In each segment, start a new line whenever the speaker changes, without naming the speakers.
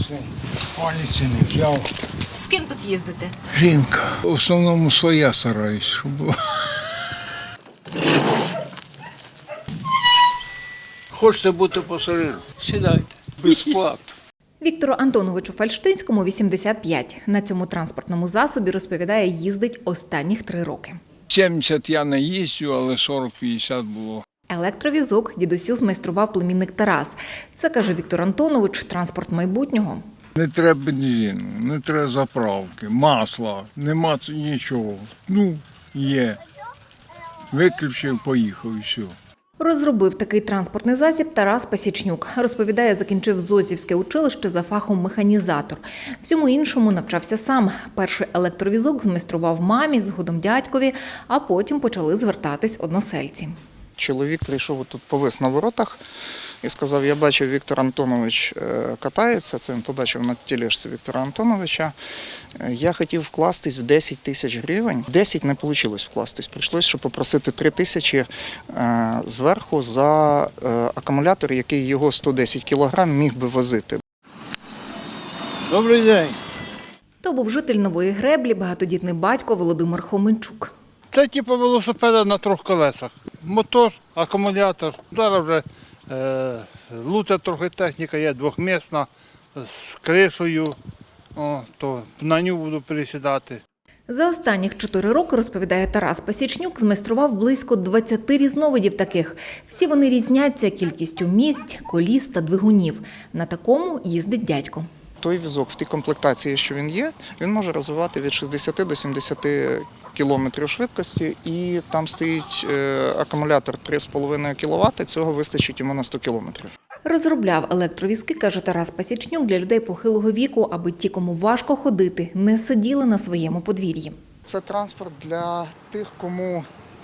Палиці не взяв.
З ким тут їздите?
Жінка. В основному своя стараюсь, щоб була. Хочете бути пасажиром? Сідайте. Безплатно.
Віктору Антоновичу Фальштинському 85. На цьому транспортному засобі, розповідає, їздить останніх 3 роки.
70 я не їздю, але 40-50 було.
Електровізок дідусю змайстрував племінник Тарас. Це, каже Віктор Антонович, транспорт майбутнього.
Не треба бензину, не треба заправки, масла, нема нічого. Є. Виключив, поїхав і все.
Розробив такий транспортний засіб Тарас Пасічнюк. Розповідає, закінчив Зозівське училище за фахом механізатор. Всьому іншому навчався сам. Перший електровізок змайстрував мамі, згодом дядькові, а потім почали звертатись односельці.
Чоловік прийшов, тут повис на воротах і сказав, я бачив, Віктор Антонович катається, це він побачив на тележці Віктора Антоновича. Я хотів вкластись в 10 тисяч гривень. 10 не вийшло вкластись, прийшлося попросити 3 тисячі зверху за акумулятор, який його 110 кілограм міг би возити.
Добрий день.
То був житель Нової Греблі, багатодітний батько Володимир Хоменчук.
Це типу велосипеда на 3 колесах. Мотор, акумулятор. Зараз вже лучша трохи техніка є, 2-місна, з кришею, то на нього буду пересідати.
За останніх 4 роки, розповідає Тарас Пасічнюк, змайстрував близько 20 різновидів таких. Всі вони різняться кількістю місць, коліс та двигунів. На такому їздить дядько.
Той візок в тій комплектації, що він є, він може розвивати від 60 до 70 кілометрів швидкості, і там стоїть акумулятор 3,5 кВт, цього вистачить йому на 100 кілометрів.
Розробляв електровізки, каже Тарас Пасічнюк, для людей похилого віку, аби ті, кому важко ходити, не сиділи на своєму подвір'ї.
Це транспорт для тих, кому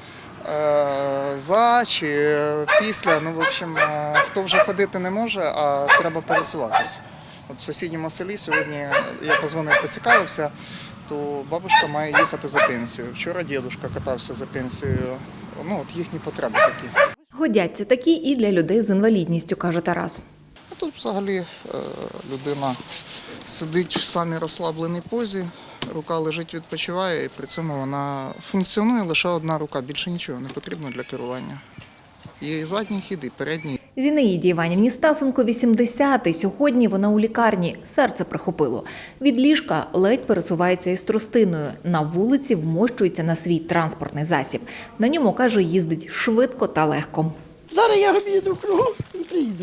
за чи після, в общем, хто вже ходити не може, а треба пересуватися. От в сусідньому селі сьогодні я позвонив, поцікавився, то бабушка має їхати за пенсію. Вчора дідусь катався за пенсією. От їхні потреби такі.
Годяться такі і для людей з інвалідністю, каже Тарас.
А тут взагалі людина сидить в самій розслабленій позі, рука лежить, відпочиває, і при цьому вона функціонує лише одна рука, більше нічого не потрібно для керування. Є і задній хід, і передній.
Зінаїді Іванівні Стасенко 80-й. Сьогодні вона у лікарні. Серце прихопило. Від ліжка ледь пересувається із тростиною. На вулиці вмощується на свій транспортний засіб. На ньому, каже, їздить швидко та легко.
Зараз я об'їду кругом і приїду.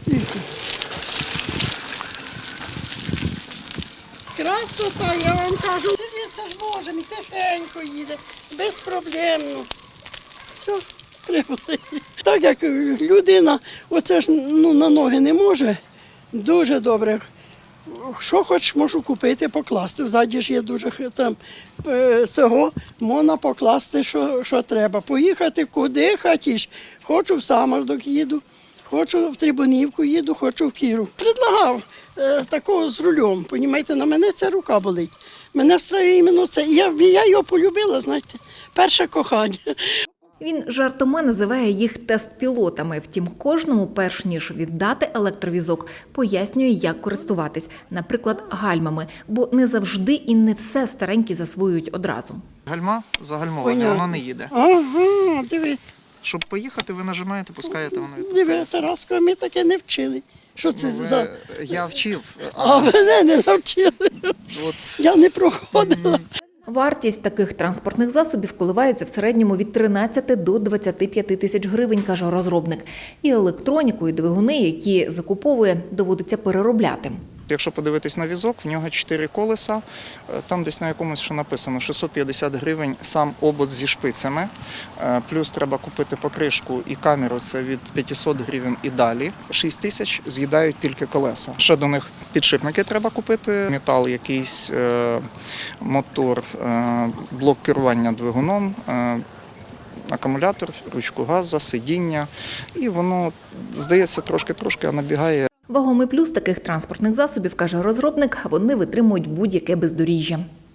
Красота, я вам кажу. Це ж можемо, і тихенько їде, безпроблемно. Все, прибули. Так як людина, оце ж на ноги не може, дуже добре. Що хоч можу купити, покласти. Взаді ж є дуже там цього, можна покласти, що треба. Поїхати куди хотіш. Хочу в Самардок їду, хочу в Трибунівку їду, хочу в Кіру. Предлагав такого з рулем, понімаєте, на мене ця рука болить. Мене встраює іменно це. Я його полюбила, знаєте, перше кохання.
Він жартома називає їх тест-пілотами. Втім, кожному, перш ніж віддати електровізок, пояснює, як користуватись. Наприклад, гальмами. Бо не завжди і не все старенькі засвоюють одразу.
Гальма загальмоване, воно не їде.
Ага, диви.
Щоб поїхати, ви нажимаєте, пускаєте, воно відпускається.
Диви, Тараско, ми таке не вчили. Що це за...
Я вчив.
А мене не навчили. Я не проходила.
Вартість таких транспортних засобів коливається в середньому від 13 до 25 тисяч гривень, каже розробник. І електроніку, і двигуни, які закуповує, доводиться переробляти.
Якщо подивитись на візок, в нього 4 колеса, там десь на якомусь, що написано, 650 гривень сам обод зі шпицями, плюс треба купити покришку і камеру, це від 500 гривень і далі. 6 тисяч з'їдають тільки колеса. Ще до них підшипники треба купити, метал якийсь, мотор, блок керування двигуном, акумулятор, ручку газу, сидіння. І воно, здається, трошки-трошки, а набігає.
Вагомий плюс таких транспортних засобів, каже розробник, вони витримують будь-яке бездоріжжя.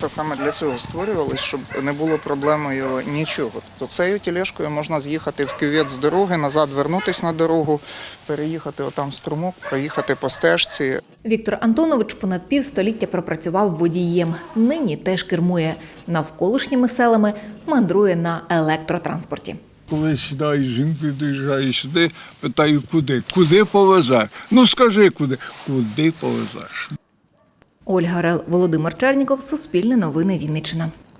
Та саме для цього створювалось, щоб не було проблемою нічого. Тобто цією тележкою можна з'їхати в кювет з дороги, назад вернутися на дорогу, переїхати отам струмок, проїхати по стежці.
Віктор Антонович понад півстоліття пропрацював водієм. Нині теж кермує. Навколишніми селами мандрує на електротранспорті.
Коли сідаєш, жінкою доїжджаєш сюди, питаю, куди? Куди повезеш? Ну скажи, куди? Куди повезеш?
Ольга Рел, Володимир Черніков, Суспільне новини Вінниччина.